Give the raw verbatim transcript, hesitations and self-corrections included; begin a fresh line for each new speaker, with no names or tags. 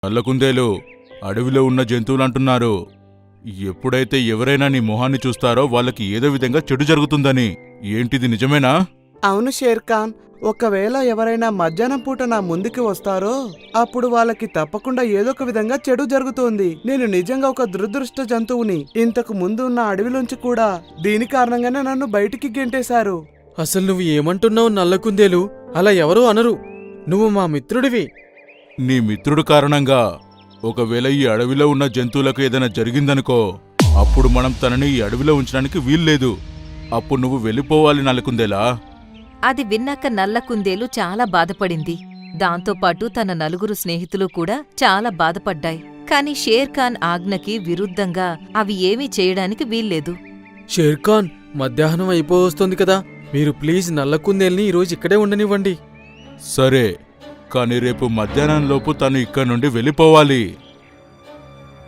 నల్లకుందేలు అడవిలో ఉన్న జంతువులంటున్నారు. ఎప్పుడైతే ఎవరైనా నీ మొహాన్ని చూస్తారో వాళ్ళకి ఏదో విధంగా చెడు జరుగుతుందని. ఏంటిది నిజమేనా?
అవును షేర్ఖాన్, ఒకవేళ ఎవరైనా మధ్యాహ్నం పూట నా ముందుకి వస్తారో అప్పుడు వాళ్ళకి తప్పకుండా ఏదో ఒక విధంగా చెడు జరుగుతోంది. నేను నిజంగా ఒక దురదృష్ట జంతువుని. ఇంతకు ముందు ఉన్న అడవిలోంచి కూడా దీని కారణంగానే నన్ను బయటికి గెంటేశారు.
అసలు నువ్వు ఏమంటున్నావు నల్లకుందేలు? అలా ఎవరూ అనరు. నువ్వు మా మిత్రుడివి.
నీ మిత్రుడు కారణంగా ఒకవేళ ఈ అడవిలో ఉన్న జంతువులకు ఏదైనా జరిగిందనుకో, అప్పుడు మనం తనని ఈ అడవిలో ఉంచడానికి వీల్లేదు. అప్పుడు నువ్వు వెళ్ళిపోవాలి నల్లకుందేలా.
అది విన్నాక నల్లకుందేలు చాలా బాధపడింది. దాంతోపాటు తన నలుగురు స్నేహితులు కూడా చాలా బాధపడ్డాయి. కాని షేర్ఖాన్ ఆజ్ఞకి విరుద్ధంగా అవి ఏమీ చేయడానికి వీల్లేదు.
షేర్ఖాన్, మధ్యాహ్నం అయిపోవస్తోంది కదా, మీరు ప్లీజ్ నల్లకుందేల్ని ఈరోజు ఇక్కడే ఉండనివ్వండి.
సరే, కానీ రేపు మధ్యాహ్నంలోపు తను ఇక్కడి నుండి వెళ్ళిపోవాలి.